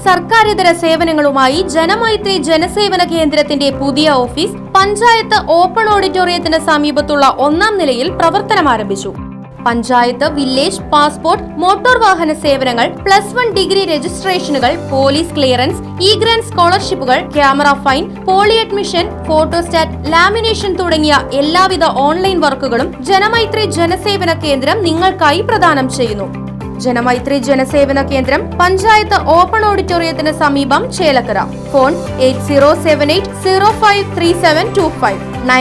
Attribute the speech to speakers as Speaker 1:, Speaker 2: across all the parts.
Speaker 1: സർക്കാരിതര സേവനങ്ങളുമായി ജനമൈത്രി ജനസേവന കേന്ദ്രത്തിന്റെ പുതിയ office panchayat open ഓഡിറ്റോറിയത്തിന് സമീപത്തുള്ള 1ാം നിലയിൽ പ്രവർത്തനം ആരംഭിച്ചു. പഞ്ചായത്ത്, വില്ലേജ്, പാസ്പോർട്ട്, മോട്ടോർ വാഹന സേവനങ്ങൾ, +1 ഡിഗ്രി രജിസ്ട്രേഷനുകൾ, പോലീസ് ക്ലിയറൻസ്, ഗ്രാന്റ് സ്കോളർഷിപ്പുകൾ, camera fine, poly admission, photostat, lamination തുടങ്ങിയ എല്ലാവിധ ഓൺലൈൻ വർക്കുകളും ജനമൈത്രി ജനസേവന കേന്ദ്രം നിങ്ങൾക്കായി പ്രദാനം ചെയ്യുന്നു. ജനമൈത്രി ജനസേവന കേന്ദ്രം പഞ്ചായത്ത് ഓപ്പൺ ഓഡിറ്റോറിയത്തിന് സമീപം, ചേലക്കര. ഫോൺ 8078053725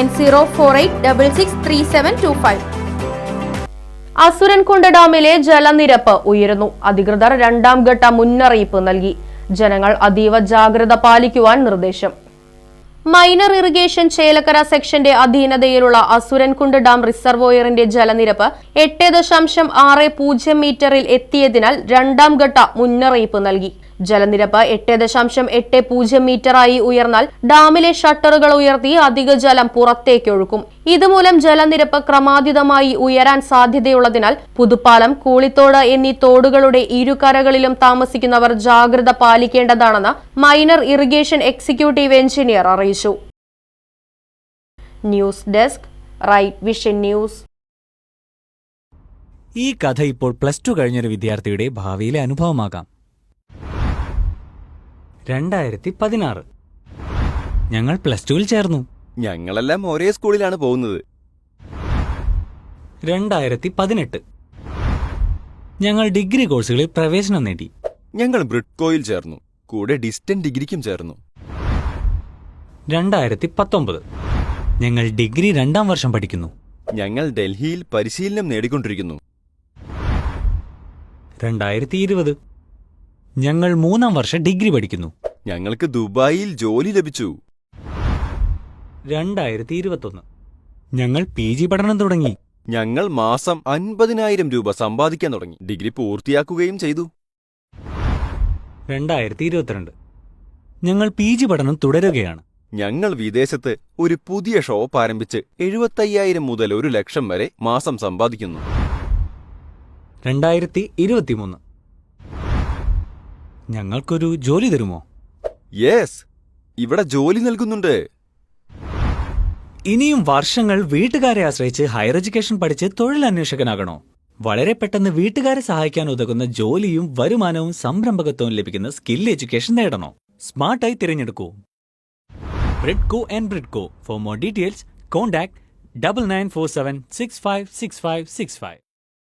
Speaker 1: 9048663725. അസുരൻകുണ്ട് ഡാമിലെ ജലനിരപ്പ് ഉയരുന്നു. അധികൃതർ 2ാം ഘട്ട മുന്നറിയിപ്പ് നൽകി. ജനങ്ങൾ അതീവ ജാഗ്രത പാലിക്കുവാൻ നിർദ്ദേശം. മൈനർ ഇറിഗേഷൻ ചേലക്കര സെക്ഷന്റെ അധീനതയിലുള്ള അസുരൻകുണ്ട് ഡാം റിസർവോയറിന്റെ ജലനിരപ്പ് 8.60 മീറ്ററിൽ എത്തിയതിനാൽ 2ാം ഘട്ട മുന്നറിയിപ്പ് നൽകി. ജലനിരപ്പ് 8.80 മീറ്ററായി ഉയർന്നാൽ ഡാമിലെ ഷട്ടറുകൾ ഉയർത്തി അധിക ജലം പുറത്തേക്കൊഴുക്കും. ഇതുമൂലം ജലനിരപ്പ് ക്രമാതീതമായി ഉയരാൻ സാധ്യതയുള്ളതിനാൽ പുതുപ്പാലം, കൂളിത്തോട് എന്നീ തോടുകളുടെ ഇരുകരകളിലും താമസിക്കുന്നവർ ജാഗ്രത പാലിക്കേണ്ടതാണെന്ന് മൈനർ ഇറിഗേഷൻ എക്സിക്യൂട്ടീവ് എഞ്ചിനീയർ അറിയിച്ചു. News desk, Right Vision News.
Speaker 2: ഈ കഥ ഇപ്പോൾ +2 കഴിഞ്ഞൊരു വിദ്യാർത്ഥിയുടെ ഭാവിയിലെ അനുഭവമാകാം. 2016 ഞങ്ങൾ +2-ൽ ചേർന്നു.
Speaker 3: ഞങ്ങളെല്ലാം ഒരേ സ്കൂളിലാണ് പോകുന്നത്.
Speaker 2: 2018 ഞങ്ങൾ ഡിഗ്രി കോഴ്സുകളിൽ പ്രവേശനം നേടി.
Speaker 3: ഞങ്ങൾ ബ്രിഡ്കോയിൽ ചേർന്നു, കൂടെ ഡിസ്റ്റന്റ് ഡിഗ്രിക്കും ചേർന്നു.
Speaker 2: 2019 ഞങ്ങൾ ഡിഗ്രി 2ാം വർഷം പഠിക്കുന്നു.
Speaker 3: ഞങ്ങൾ ഡൽഹിയിൽ പരിശീലനം നേടിക്കൊണ്ടിരിക്കുന്നു.
Speaker 2: 2020 ഞങ്ങൾ 3ാം വർഷം ഡിഗ്രി പഠിക്കുന്നു.
Speaker 3: ഞങ്ങൾക്ക് ദുബായിൽ ജോലി ലഭിച്ചു.
Speaker 2: 2021 ഞങ്ങൾ PG പഠനം തുടങ്ങി.
Speaker 3: ഞങ്ങൾ മാസം 50,000 രൂപ സമ്പാദിക്കാൻ തുടങ്ങി. ഡിഗ്രി പൂർത്തിയാക്കുകയും ചെയ്തു.
Speaker 2: 2022 ഞങ്ങൾ PG പഠനം തുടരുകയാണ്.
Speaker 3: ഞങ്ങൾ വിദേശത്ത് ഒരു പുതിയ ഷോപ്പ് ആരംഭിച്ച് 75,000 മുതൽ 1,00,000 വരെ മാസം സമ്പാദിക്കുന്നു.
Speaker 2: 2023 ഞങ്ങൾക്കൊരു ജോലി തരുമോ?
Speaker 3: യെസ്, ഇവിടെ ജോലി നൽകുന്നുണ്ട്.
Speaker 2: ഇനിയും വർഷങ്ങൾ വീട്ടുകാരെ ആശ്രയിച്ച് ഹയർ എഡ്യൂക്കേഷൻ പഠിച്ച് തൊഴിലന്വേഷകനാകണോ? വളരെ പെട്ടെന്ന് വീട്ടുകാരെ സഹായിക്കാൻ ഉതകുന്ന ജോലിയും വരുമാനവും സംരംഭകത്വവും ലഭിക്കുന്ന സ്കിൽ എഡ്യൂക്കേഷൻ നേടണോ? സ്മാർട്ടായി തിരഞ്ഞെടുക്കൂ Bridco and Bridco. For more details contact 9947656565.